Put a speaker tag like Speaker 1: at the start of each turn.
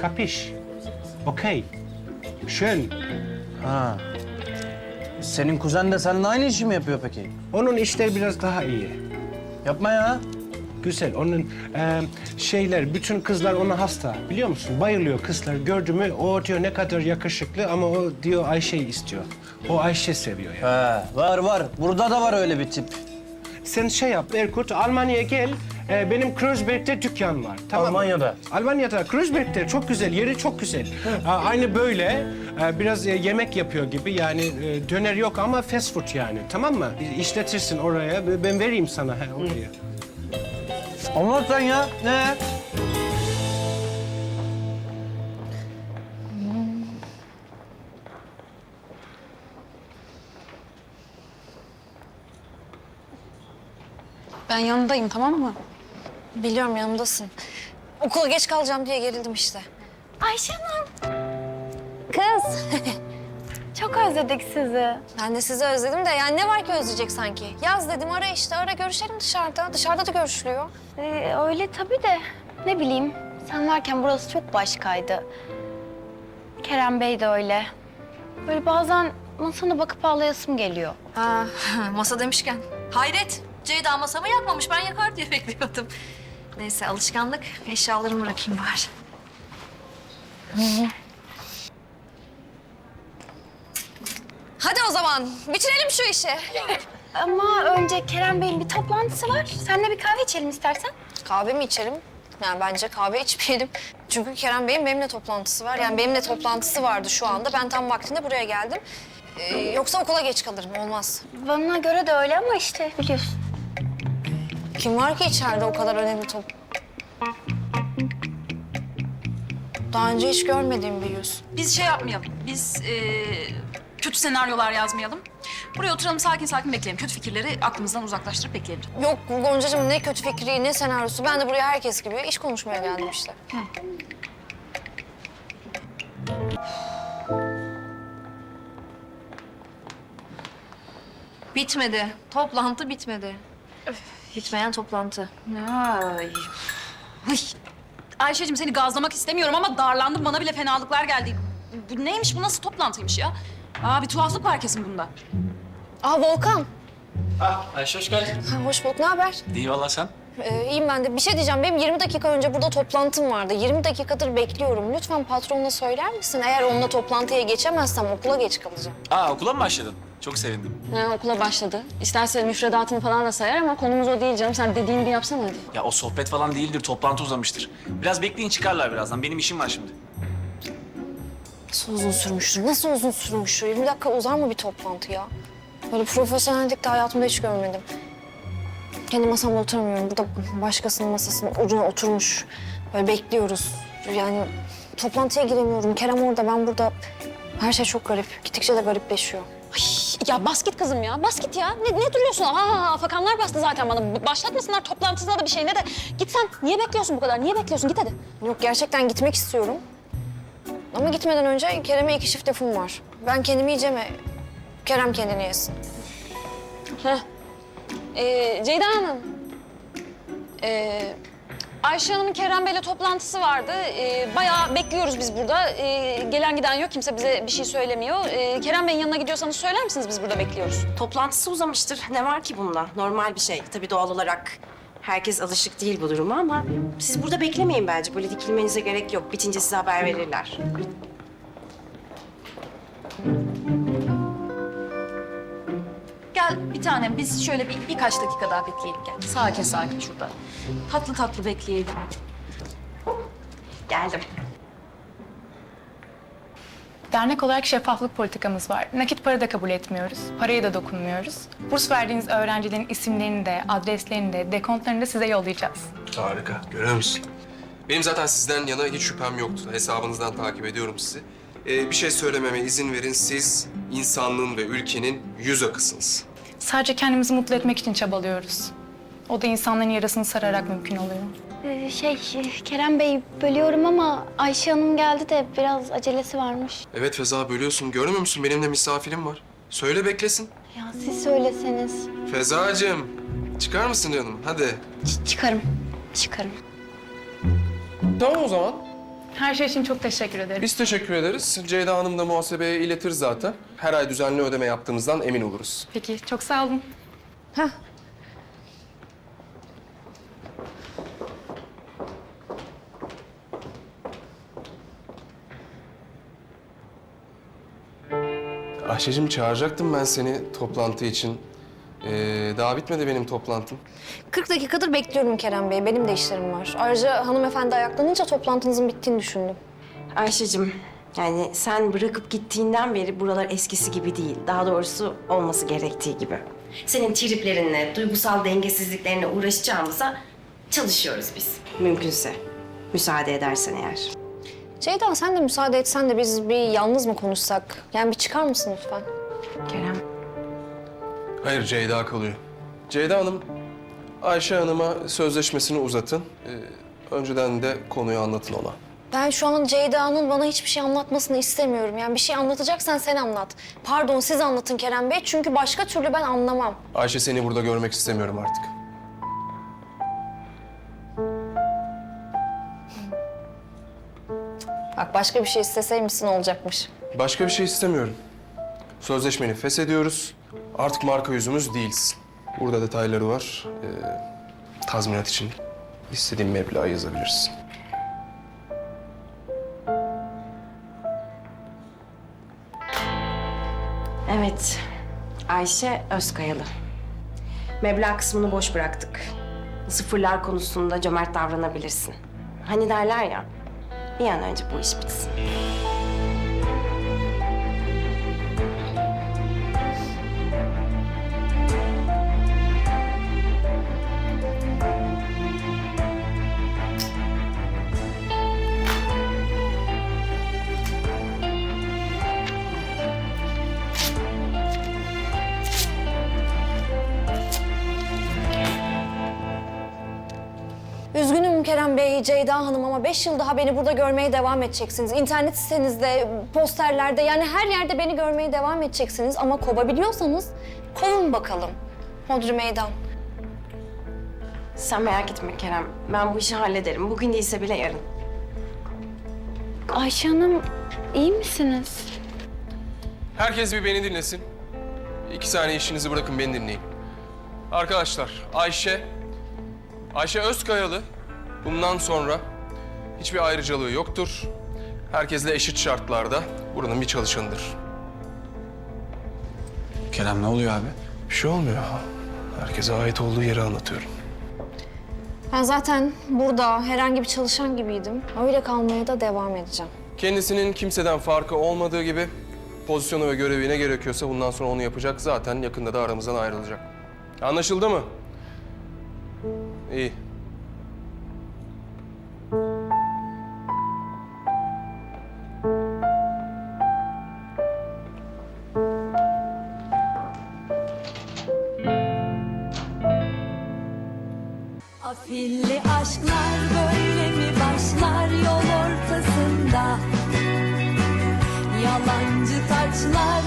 Speaker 1: Kapiş? Okey. Schön.
Speaker 2: Ha. Senin kuzen de seninle aynı işi mi yapıyor peki?
Speaker 1: Onun işleri biraz daha iyi.
Speaker 2: Yapma ya.
Speaker 1: Güzel. Onun bütün kızlar ona hasta. Biliyor musun? Bayılıyor kızlar. Gördü mü o diyor ne kadar yakışıklı ama o diyor Ayşe'yi istiyor. O Ayşe seviyor yani.
Speaker 2: He, var. Burada da var öyle bir tip.
Speaker 1: Sen şey yap Erkut, Almanya'ya gel. Benim Kreuzberg'de dükkan var. Tamam mı?
Speaker 2: Almanya'da?
Speaker 1: Almanya'da, Kreuzberg'de çok güzel, yeri çok güzel. Aynı böyle, biraz yemek yapıyor gibi. Yani döner yok ama fast food yani. Tamam mı? İşletirsin oraya, ben vereyim sana oraya.
Speaker 2: Anlat sen ya. Ne?
Speaker 3: Ben yanındayım, tamam mı?
Speaker 4: Biliyorum yanımdasın. Okula geç kalacağım diye gerildim işte.
Speaker 5: Ayşe Hanım. Kız. Çok özledik sizi.
Speaker 4: Ben de sizi özledim de yani ne var ki özleyecek sanki? Yaz dedim ara işte ara görüşelim dışarıda. Dışarıda da görüşülüyor.
Speaker 5: Öyle tabii de ne bileyim. Sen varken burası çok başkaydı. Kerem Bey de öyle. Böyle bazen masana bakıp ağlayasım geliyor.
Speaker 4: Ha, masa demişken. Hayret. Ceyda masamı yakmamış. Ben yakar diye bekliyordum. Neyse alışkanlık. Eşyalarımı bırakayım bari. Hadi o zaman bitirelim şu işi.
Speaker 5: Ama önce Kerem Bey'in bir toplantısı var. Seninle bir kahve içelim istersen.
Speaker 4: Kahve mi içelim? Yani bence kahve içmeyelim. Çünkü Kerem Bey'in benimle toplantısı var. Yani benimle toplantısı vardı şu anda. Ben tam vaktinde buraya geldim. Yoksa okula geç kalırım. Olmaz.
Speaker 5: Bana göre de öyle ama işte biliyorsun.
Speaker 4: Kim var ki içeride o kadar önemli top? Daha önce hiç görmediğim bir yüz.
Speaker 3: Biz şey yapmayalım, biz kötü senaryolar yazmayalım. Buraya oturalım, sakin sakin bekleyelim. Kötü fikirleri aklımızdan uzaklaştırıp bekleyelim.
Speaker 4: Yok Goncacığım ne kötü fikri ne senaryosu. Ben de buraya herkes gibi iş konuşmaya geldim işte. Bitmedi. Toplantı bitmedi. Bitmeyen toplantı.
Speaker 3: Ay. Hıy. Ayşe'cim seni gazlamak istemiyorum ama darlandım. Bana bile fenalıklar geldi. Bu neymiş, bu nasıl toplantıymış ya? Bir tuhaflık var kesin bunda.
Speaker 4: Aa Volkan.
Speaker 6: Ayşe hoş geldin.
Speaker 4: Ha, hoş bulduk. Ne haber?
Speaker 6: İyi valla sen.
Speaker 4: İyiyim ben de. Bir şey diyeceğim. Benim 20 dakika önce burada toplantım vardı. 20 dakikadır bekliyorum. Lütfen patronuna söyler misin? Eğer onunla toplantıya geçemezsem okula geç kalacağım.
Speaker 6: Okula mı başladın? Çok sevindim.
Speaker 4: Okula başladı. İsterse müfredatını falan da sayar ama konumuz o değil canım. Sen dediğini bir yapsana hadi.
Speaker 6: Ya o sohbet falan değildir, toplantı uzamıştır. Biraz bekleyin çıkarlar birazdan. Benim işim var şimdi.
Speaker 4: Nasıl uzun sürmüştür? Nasıl uzun sürmüştür? 20 dakika uzar mı bir toplantı ya? Böyle profesyonellik de hayatımda hiç görmedim. Kendi masamda oturamıyorum. Burada başkasının masasının ucuna oturmuş. Böyle bekliyoruz. Yani toplantıya giremiyorum. Kerem orada, ben burada. Her şey çok garip. Gittikçe de garipleşiyor.
Speaker 7: Ya bas git kızım ya, bas git ya. Ne duruyorsun? Afakanlar bastı zaten bana. Başlatmasınlar toplantısına da bir şey ne de. Git sen. Niye bekliyorsun bu kadar? Niye bekliyorsun? Git hadi.
Speaker 4: Yok gerçekten gitmek istiyorum. Ama gitmeden önce Kerem'e 2 çift lafım var. Ben kendimi yiyeceğim, Kerem kendini yesin.
Speaker 7: Ceyda Hanım. Ayşe Hanım'ın Kerem Bey'le toplantısı vardı. Bayağı bekliyoruz biz burada. Gelen giden yok. Kimse bize bir şey söylemiyor. Kerem Bey'in yanına gidiyorsanız söyler misiniz? Biz burada bekliyoruz.
Speaker 8: Toplantısı uzamıştır. Ne var ki bunda? Normal bir şey. Tabii doğal olarak herkes alışık değil bu duruma ama siz burada beklemeyin bence. Böyle dikilmenize gerek yok. Bitince size haber verirler.
Speaker 3: Gel bir tanem, biz şöyle birkaç dakika daha bekleyelim. Gel. Sakin sakin şurada. Tatlı tatlı bekleyelim.
Speaker 8: Geldim.
Speaker 9: Dernek olarak şeffaflık politikamız var. Nakit para da kabul etmiyoruz. Paraya da dokunmuyoruz. Burs verdiğiniz öğrencilerin isimlerini de, adreslerini de, dekontlarını da size yollayacağız.
Speaker 10: Harika. Görüyor musun? Benim zaten sizden yana hiç şüphem yoktu. Hesabınızdan takip ediyorum sizi. Bir şey söylememe izin verin. Siz insanlığın ve ülkenin yüz akısınız.
Speaker 9: Sadece kendimizi mutlu etmek için çabalıyoruz. O da insanların yarasını sararak mümkün oluyor.
Speaker 5: Kerem Bey bölüyorum ama Ayşe Hanım geldi de biraz acelesi varmış.
Speaker 10: Evet Feza bölüyorsun. Görmüyor musun? Benim de misafirim var. Söyle beklesin.
Speaker 5: Ya siz söyleseniz.
Speaker 10: Fezacığım, çıkar mısın canım? Hadi.
Speaker 5: Çıkarım.
Speaker 10: Tamam o zaman.
Speaker 9: Her şey için çok teşekkür ederim.
Speaker 10: Biz teşekkür ederiz. Ceyda Hanım da muhasebeye iletir zaten. Her ay düzenli ödeme yaptığımızdan emin oluruz.
Speaker 9: Peki, çok sağ olun.
Speaker 10: Ayşe'cim çağıracaktım ben seni toplantı için. Daha bitmedi benim toplantım.
Speaker 4: 40 dakikadır bekliyorum Kerem Bey. Benim de işlerim var. Ayrıca hanımefendi ayaklanınca toplantınızın bittiğini düşündüm.
Speaker 8: Ayşe'cim, yani sen bırakıp gittiğinden beri buralar eskisi gibi değil. Daha doğrusu olması gerektiği gibi. Senin triplerinle, duygusal dengesizliklerine uğraşacağımıza çalışıyoruz biz. Mümkünse. Müsaade edersen eğer.
Speaker 4: Ceyda sen de müsaade etsen de biz bir yalnız mı konuşsak? Yani bir çıkar mısın lütfen?
Speaker 8: Kerem.
Speaker 10: Hayır, Ceyda kalıyor. Ceyda Hanım, Ayşe Hanım'a sözleşmesini uzatın. Önceden de konuyu anlatın ona.
Speaker 4: Ben şu an Ceyda'nın bana hiçbir şey anlatmasını istemiyorum. Yani bir şey anlatacaksan sen anlat. Pardon siz anlatın Kerem Bey çünkü başka türlü ben anlamam.
Speaker 10: Ayşe seni burada görmek istemiyorum artık.
Speaker 4: Bak başka bir şey isteseymişsin olacakmış.
Speaker 10: Başka bir şey istemiyorum. Sözleşmeni feshediyoruz. Artık marka yüzümüz değilsin. Burada detayları var. Tazminat için istediğin meblağı yazabilirsin.
Speaker 8: Evet, Ayşe Özkayalı. Meblağ kısmını boş bıraktık. Sıfırlar konusunda cömert davranabilirsin. Hani derler ya, bir an önce bu iş bitsin.
Speaker 4: Üzgünüm Kerem Bey, Ceyda Hanım ama 5 yıl daha beni burada görmeye devam edeceksiniz. İnternet sitenizde, posterlerde yani her yerde beni görmeye devam edeceksiniz. Ama kovabiliyorsanız kovun bakalım. Hodri meydan.
Speaker 8: Sen merak etme Kerem, ben bu işi hallederim. Bugün değilse bile yarın.
Speaker 5: Ayşe Hanım, iyi misiniz?
Speaker 10: Herkes bir beni dinlesin. 2 saniye işinizi bırakın, beni dinleyin. Arkadaşlar, Ayşe Özkayalı bundan sonra hiçbir ayrıcalığı yoktur. Herkesle eşit şartlarda buranın bir çalışanıdır.
Speaker 6: Kerem ne oluyor abi?
Speaker 10: Bir şey olmuyor. Herkese ait olduğu yeri anlatıyorum.
Speaker 4: Ben zaten burada herhangi bir çalışan gibiydim. Öyle kalmaya da devam edeceğim.
Speaker 10: Kendisinin kimseden farkı olmadığı gibi pozisyonu ve görevi ne gerekiyorsa bundan sonra onu yapacak. Zaten yakında da aramızdan ayrılacak. Anlaşıldı mı? İyi.
Speaker 11: Afilli aşklar böyle mi başlar yol ortasında? Yalancı taçlar